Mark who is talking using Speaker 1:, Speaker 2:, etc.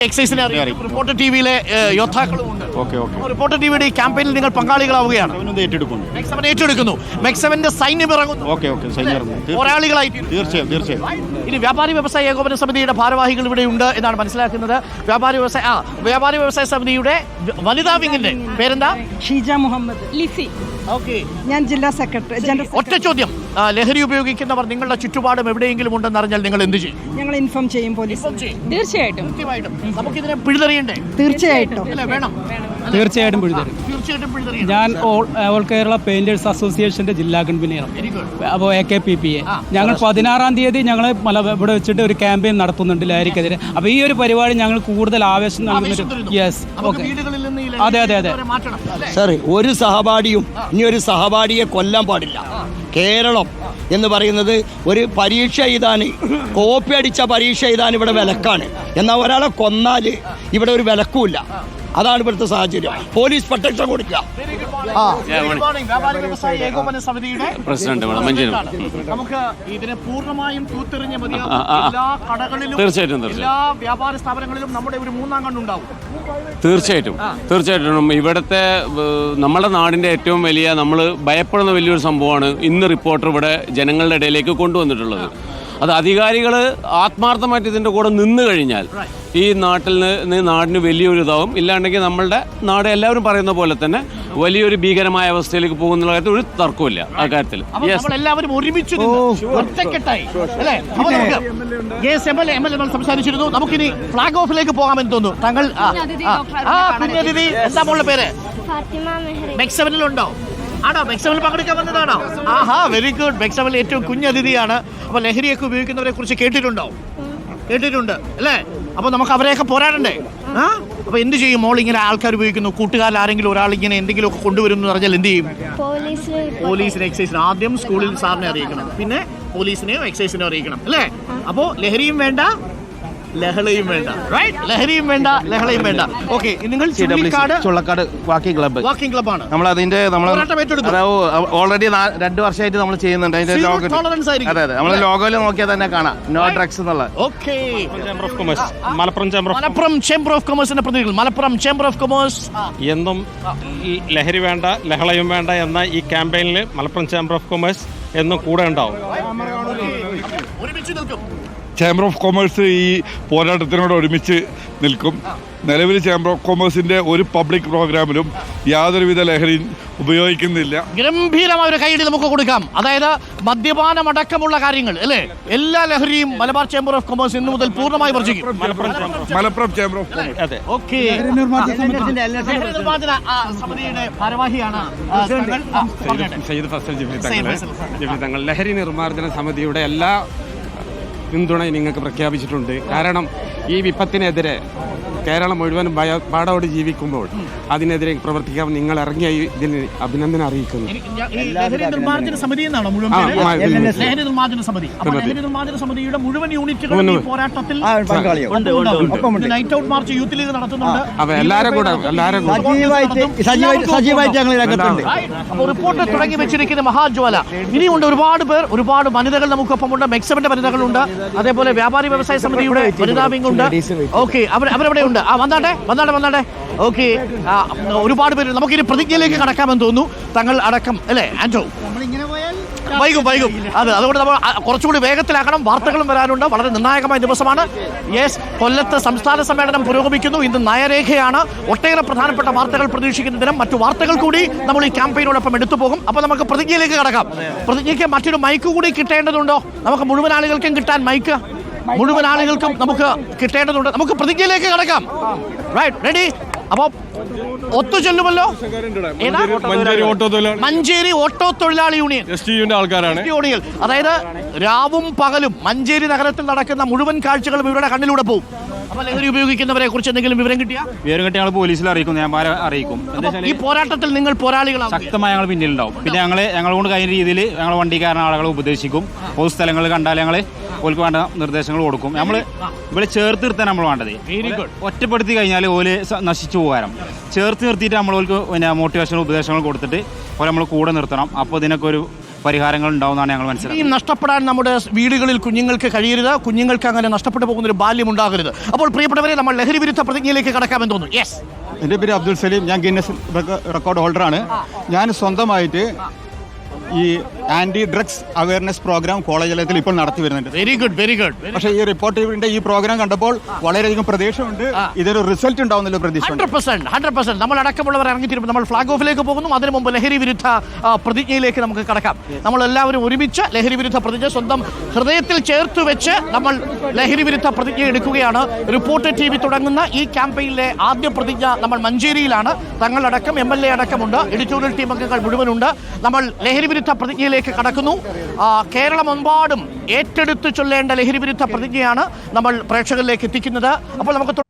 Speaker 1: എക്സൈസിനെ അറിയാം. Reporter ടിവിയിലെ യോദ്ധാക്കളുമുണ്ട്. Reporter ടിവിയുടെ ഈ ക്യാമ്പയിനിൽ നിങ്ങൾ പങ്കാളികളാവുകയാണ്. മെക്സവൻ ഏറ്റെടുക്കുന്നു. മെക്സവന്റെ സൈന്യം ഇറങ്ങുന്നു. പോരാളികളായി
Speaker 2: തീർച്ചയായും.
Speaker 1: ഇനി വ്യാപാരി വ്യവസായ ഏകോപന സമിതിയുടെ ഭാരവാഹികൾ ഇവിടെ ഉണ്ട് എന്നാണ് മനസ്സിലാക്കുന്നത്. വ്യാപാരി വ്യവസായ സമിതിയുടെ വനിതാ വിങ്ങിന്റെ പേരെന്താ?
Speaker 3: ഷീജ മുഹമ്മദ് ലിസി.
Speaker 1: ഓക്കെ,
Speaker 3: ഞാൻ ജില്ലാ സെക്രട്ടറി.
Speaker 1: ഒറ്റ ചോദ്യം, ലഹരി ഉപയോഗിക്കുന്നവർ നിങ്ങളുടെ ചുറ്റുപാടും എവിടെയെങ്കിലും ഉണ്ടെന്ന് അറിഞ്ഞാൽ നിങ്ങൾ എന്ത് ചെയ്യും?
Speaker 3: ഞങ്ങൾ ഇൻഫോം ചെയ്യും പോലീസ്.
Speaker 1: തീർച്ചയായിട്ടും. നമുക്കിതിനെ പിഴുതെറിയണ്ടേ?
Speaker 3: തീർച്ചയായിട്ടും
Speaker 1: വേണം.
Speaker 4: തീർച്ചയായിട്ടും പിഴുതെറിയും. ഞാൻ ഓൾ കേരള പെയിന്റേഴ്സ് അസോസിയേഷന്റെ ജില്ലാ കൺവീനറാണ്. അപ്പോൾ AKPPA ഞങ്ങൾ 16-ാം തീയതി ഞങ്ങൾ ഇവിടെ വെച്ചിട്ട് ഒരു ക്യാമ്പയിൻ നടത്തുന്നുണ്ട് ലഹരിക്കെതിരെ. അപ്പോൾ ഈ ഒരു പരിപാടി ഞങ്ങൾ കൂടുതൽ ആവേശം നൽകുന്നുണ്ട്. Yes, okay. അതെ.
Speaker 2: സാർ, ഒരു സഹപാഠിയും ഇനി ഒരു സഹപാഠിയെ കൊല്ലാൻ പാടില്ല. കേരളം എന്ന് പറയുന്നത് ഒരു പരീക്ഷ എഴുതാൻ, കോപ്പി അടിച്ച പരീക്ഷ എഴുതാൻ ഇവിടെ വിലക്കാണ്. എന്നാൽ ഒരാളെ കൊന്നാൽ ഇവിടെ ഒരു വിലക്കുമില്ല. അതാണ് ഇവിടുത്തെ സാഹചര്യം. പോലീസ് പ്രൊട്ടക്ഷൻ കൊടുക്കുക.
Speaker 1: ഏകോപന സമിതിയുടെ പ്രസിഡന്റ് നമുക്ക് ഇതിനെ പൂർണ്ണമായും തൂത്തെറിഞ്ഞ എല്ലാ കടകളിലും എല്ലാ വ്യാപാര സ്ഥാപനങ്ങളിലും നമ്മുടെ ഒരു മൂന്നാം കണ്ണുണ്ടാവും.
Speaker 5: തീർച്ചയായിട്ടും ഇവിടുത്തെ നമ്മുടെ നാടിൻ്റെ ഏറ്റവും വലിയ, നമ്മൾ ഭയപ്പെടുന്ന വലിയൊരു സംഭവമാണ് ഇന്ന് റിപ്പോർട്ടർ ഇവിടെ ജനങ്ങളുടെ ഇടയിലേക്ക് കൊണ്ടുവന്നിട്ടുള്ളത്. അത് അധികാരികൾ ആത്മാർത്ഥമായിട്ട് ഇതിൻ്റെ കൂടെ നിന്ന് കഴിഞ്ഞാൽ ഈ നാടിന് വലിയൊരു ഇതാവും. ഇല്ലാണ്ടെങ്കിൽ നമ്മളുടെ നാട് എല്ലാവരും പറയുന്ന പോലെ തന്നെ വലിയൊരു ഭീകരമായ അവസ്ഥയിലേക്ക് പോകുന്ന കാര്യത്തിൽ ഒരു തർക്കമില്ല. ആ കാര്യത്തിൽ
Speaker 1: എല്ലാവരും ഒരുമിച്ച് ഒറ്റക്കെട്ടായി സംസാരിച്ചിരുന്നു. നമുക്കിനി ഫ്ലാഗ് ഓഫിലേക്ക് പോകാമെന്ന് തോന്നുന്നു. താങ്കൾ കുഞ്ഞതിഥി, എന്താ മോളുടെ പേര്? മെക്സവനിലുണ്ടോ? ആണോ? മെക്സവനിൽ പങ്കെടുക്കാൻ വന്നതാണോ? ആഹാ, വെരി ഗുഡ്. മെക്സവനിൽ ഏറ്റവും കുഞ്ഞതിഥിയാണ്. അപ്പൊ ലഹരിയൊക്കെ ഉപയോഗിക്കുന്നവരെ കുറിച്ച് കേട്ടിട്ടുണ്ടോ? കേട്ടിട്ടുണ്ട് അല്ലേ? അപ്പൊ നമുക്ക് അവരെയൊക്കെ പോരാടണ്ടേ? അപ്പൊ എന്ത് ചെയ്യും? മോൾ ഇങ്ങനെ ആൾക്കാർ ഉപയോഗിക്കുന്നു, കൂട്ടുകാരിൽ ആരെങ്കിലും ഒരാൾ ഇങ്ങനെ എന്തെങ്കിലുമൊക്കെ കൊണ്ടുവരുന്നു പറഞ്ഞാൽ എന്ത് ചെയ്യും? പോലീസിനെ, എക്സൈസിനെ. ആദ്യം സ്കൂളിൽ സാറിനെ അറിയിക്കണം, പിന്നെ പോലീസിനെയോ എക്സൈസിനെയോ അറിയിക്കണം അല്ലേ? അപ്പോ ലഹരിയും വേണ്ട, ലഹളയും വേണ്ട. ലഹരിയും വേണ്ട, ലഹളയും വേണ്ട. ഓക്കെ, നിങ്ങൾ
Speaker 6: ചുള്ളക്കാട് വാക്കിംഗ്
Speaker 1: ക്ലബ്ബാണ്.
Speaker 6: നമ്മൾ ഓൾറെഡി 2 വർഷമായിട്ട് നമ്മൾ ചെയ്യുന്നുണ്ട്. അതിന്റെ അതെ, നമ്മൾ ലോഗോയിൽ നോക്കിയാൽ തന്നെ കാണാം നോ ഡ്രഗ്സ് എന്നുള്ള.
Speaker 1: ഓക്കെ,
Speaker 4: മലപ്പുറം ചേംബർ ഓഫ് കൊമേഴ്സിന്റെ പ്രതിനിധികൾ. മലപ്പുറം ചേംബർ ഓഫ് കൊമേഴ്സ്
Speaker 7: എന്നും ലഹരി വേണ്ട, ലഹളയും വേണ്ട എന്ന ഈ ക്യാമ്പയിനിൽ മലപ്പുറം ചേംബർ ഓഫ് കൊമേഴ്സ് എന്നും കൂടെ ഉണ്ടാവും.
Speaker 1: ഒരുമിച്ച് നിൽക്കും.
Speaker 8: ചേംബർ ഓഫ് കൊമേഴ്സ് ഈ പോരാട്ടത്തിനോട് ഒരുമിച്ച് നിൽക്കും. നിലവിൽ ചേംബർ ഓഫ് കൊമേഴ്സിന്റെ ഒരു പബ്ലിക് പ്രോഗ്രാമിലും യാതൊരുവിധ ലഹരിയും ഉപയോഗിക്കുന്നില്ല.
Speaker 1: ഗംഭീരമായ ഒരു കൈയടി നമുക്ക് കൊടുക്കാം. അതായത് മദ്യപാനം അടക്കമുള്ള കാര്യങ്ങൾ അല്ലേ, എല്ലാ ലഹരിയും മലബാർ ചേംബർ ഓഫ് കൊമേഴ്സ് ഇന്നു മുതൽ പൂർണ്ണമായി വർജിക്കും.
Speaker 8: Malappuram chamber of commerce.
Speaker 7: അതെ,
Speaker 1: ഓക്കെ. സമിതിയുടെ ഭാരവാഹിയാണ്
Speaker 7: സയ്യിദ് ഫസൽ ജിഫ്രി തങ്ങൾ. ലഹരി നിർമ്മാർജ്ജന സമിതിയുടെ എല്ലാ പിന്തുണയും നിങ്ങൾക്ക് പ്രഖ്യാപിച്ചിട്ടുണ്ട്. കാരണം ഈ വിപത്തിനെതിരെ കേരളം മുഴുവൻ ഭയപ്പാടോട് ജീവിക്കുമ്പോൾ അതിനെതിരെ പ്രവർത്തിക്കാൻ നിങ്ങൾ ഇറങ്ങിയ ഇതിന് അഭിനന്ദനം അറിയിക്കുന്നു.
Speaker 1: ലഹരി നിർമ്മാർജ്ജന സമിതി എന്നാണോ മുഴുവൻ? ലഹരി നിർമ്മാർജ്ജന സമിതി. ലഹരി നിർമ്മാർജ്ജന സമിതിയുടെ മുഴുവൻ യൂണിറ്റുകളും ഈ പോരാട്ടത്തിൽ night out march youth league നടത്തുന്നുണ്ട്. അപ്പോൾ റിപ്പോർട്ട് തുടങ്ങി വെച്ചിരിക്കുന്ന മഹാജ്വാല. ഇനിയുണ്ട് ഒരുപാട് പേർ, ഒരുപാട് വനിതകൾ നമുക്കൊപ്പമുണ്ട്. മെക്സവന്റെ വനിതകളുണ്ട്, അതേപോലെ വ്യാപാരി വ്യവസായ സമിതിയുടെ വനിതാ വിംഗ് ഉണ്ട്. ഓക്കെ, അവരവിടെ ഉണ്ട്. വന്നാട്ടെ. ഓക്കെ, ഒരുപാട് പേര്. നമുക്കിനി പ്രതിജ്ഞയിലേക്ക് കടക്കാമെന്ന് തോന്നുന്നു, തങ്ങൾ അടക്കം അല്ലേ ആൻഡോ? വൈകും. അതുകൊണ്ട് നമ്മൾ കുറച്ചുകൂടി വേഗത്തിലാക്കണം. വാർത്തകളും വരാനുണ്ട്. വളരെ നിർണായകമായ ദിവസമാണ്. യെസ്, കൊല്ലത്ത് സംസ്ഥാന സമ്മേളനം പുരോഗമിക്കുന്നു. ഇന്ന് നയരേഖയാണ്. ഒട്ടേറെ പ്രധാനപ്പെട്ട വാർത്തകൾ പ്രതീക്ഷിക്കുന്ന ദിനം. മറ്റു വാർത്തകൾ കൂടി നമ്മൾ ഈ ക്യാമ്പയിനോടൊപ്പം എടുത്തു പോകും. അപ്പോൾ നമുക്ക് പ്രതിജ്ഞയിലേക്ക് കടക്കാം. പ്രതിജ്ഞയ്ക്ക് മറ്റൊരു മൈക്ക് കൂടി കിട്ടേണ്ടതുണ്ടോ? നമുക്ക് മുഴുവൻ ആളുകൾക്കും കിട്ടാൻ മൈക്ക് മുഴുവൻ ആളുകൾക്കും നമുക്ക് കിട്ടേണ്ടതുണ്ട്. നമുക്ക് പ്രതിജ്ഞയിലേക്ക് കടക്കാം. Right, ready? അപ്പോൾ ഒത്തുചൊല്ലുമല്ലോ. മഞ്ചേരി ഓട്ടോ തൊഴിലാളി യൂണിയൻ
Speaker 7: ആൾക്കാരാണ്.
Speaker 1: അതായത് രാവും പകലും മഞ്ചേരി നഗരത്തിൽ നടക്കുന്ന മുഴുവൻ കാഴ്ചകളും ഇവരുടെ കണ്ണിലൂടെ പോകും. അപ്പോൾ ലഹരി ഉപയോഗിക്കുന്നവരെ കുറിച്ച് എന്തെങ്കിലും വിവരം കിട്ടിയാൽ
Speaker 6: ഞങ്ങൾ പോലീസിൽ അറിയിക്കും, ഞാൻ അറിയിക്കും.
Speaker 1: ഈ പോരാട്ടത്തിൽ നിങ്ങൾ പോരാളികളാണ്.
Speaker 6: ശക്തമായി ഞങ്ങൾ പിന്നിലുണ്ടാവും. പിന്നെ ഞങ്ങളെ കൊണ്ട് കഴിയുന്ന രീതിയിൽ ഞങ്ങൾ വണ്ടിക്കാരൻ ആളുകളെ ഉപദേശിക്കും. പൊതു സ്ഥലങ്ങൾ കണ്ടാൽ ഞങ്ങൾ ഓൾക്ക് വേണ്ട നിർദ്ദേശങ്ങൾ കൊടുക്കും. നമ്മൾ ഇവിടെ ചേർത്ത് നിർത്താൻ നമ്മൾ വേണ്ടത്. ഒറ്റപ്പെടുത്തി കഴിഞ്ഞാൽ ഓല് നശിച്ചു പോകാനും, ചേർത്ത് നിർത്തിയിട്ട് നമ്മൾ ഓൾക്ക് പിന്നെ മോട്ടിവേഷണൽ ഉപദേശങ്ങൾ കൊടുത്തിട്ട് ഓലെ നമ്മൾ കൂടെ നിർത്തണം. അപ്പോൾ ഇതിനൊക്കെ ഒരു പരിഹാരങ്ങൾ ഉണ്ടാവുമെന്നാണ് ഞങ്ങൾ മനസ്സിലാക്കുന്നത്.
Speaker 1: ഈ നഷ്ടപ്പെടാൻ നമ്മുടെ വീടുകളിൽ കുഞ്ഞുങ്ങൾക്ക് കഴിയരുത്, കുഞ്ഞുങ്ങൾക്ക് അങ്ങനെ നഷ്ടപ്പെട്ടു പോകുന്ന ഒരു ബാല്യം ഉണ്ടാകരുത്. അപ്പോൾ പ്രിയപ്പെട്ടവരെ, നമ്മൾ ലഹരി വിരുദ്ധ പ്രതിജ്ഞയിലേക്ക് കടക്കാമെന്ന് തോന്നുന്നു. യെസ്,
Speaker 9: എൻ്റെ പേര് അബ്ദുൽ സലീം. ഞാൻ ഗിന്നസ് റെക്കോർഡ് ഹോൾഡറാണ്. ഞാൻ സ്വന്തമായിട്ട് ഈ anti drugs awareness programme college തലത്തിൽ ഇപ്പോൾ നടത്തി വരുന്നുണ്ട്.
Speaker 1: Very good, very good.
Speaker 9: പക്ഷേ ഈ റിപ്പോർട്ടറിന്റെ ഈ പ്രോഗ്രാം കണ്ടപ്പോൾ വളരെയധികം പ്രതീക്ഷയുണ്ട്. ഇതൊരു റിസൾട്ട് ഉണ്ടാവുന്നല്ലോ പ്രതീക്ഷ.
Speaker 1: 100%. നമ്മൾ അടക്കമുള്ളവർ ഇറങ്ങിത്തിരുമ്പോൾ നമ്മൾ ഫ്ലാഗ് ഓഫിലേക്ക് പോകുന്നു. അതിനു മുമ്പ് ലഹരി വിരുദ്ധ പ്രതിജ്ഞയിലേക്ക് നമുക്ക് കടക്കാം. നമ്മൾ എല്ലാവരും ഒരുമിച്ച് ലഹരി വിരുദ്ധ പ്രതിജ്ഞ സ്വന്തം ഹൃദയത്തിൽ ചേർത്ത് വെച്ച് നമ്മൾ ലഹരി വിരുദ്ധ പ്രതിജ്ഞ എടുക്കുകയാണ്. റിപ്പോർട്ടർ TV തുടങ്ങുന്ന ഈ ക്യാമ്പയിനിലെ ആദ്യ പ്രതിജ്ഞ നമ്മൾ മഞ്ചേരിയിലാണ്. തങ്ങളടക്കം MLA അടക്കമുണ്ട്, എഡിറ്റോറിയൽ ടീം അംഗങ്ങൾ മുഴുവനുണ്ട്. നമ്മൾ ലഹരി വിരുദ്ധ പ്രതിജ്ഞയിലേക്ക് കടക്കുന്നു. കേരളമെമ്പാടും ഏറ്റെടുത്ത് ചൊല്ലേണ്ട ലഹരി വിരുദ്ധ പ്രതിജ്ഞയാണ് നമ്മൾ പ്രേക്ഷകരിലേക്ക് എത്തിക്കുന്നത്. അപ്പോൾ നമുക്ക്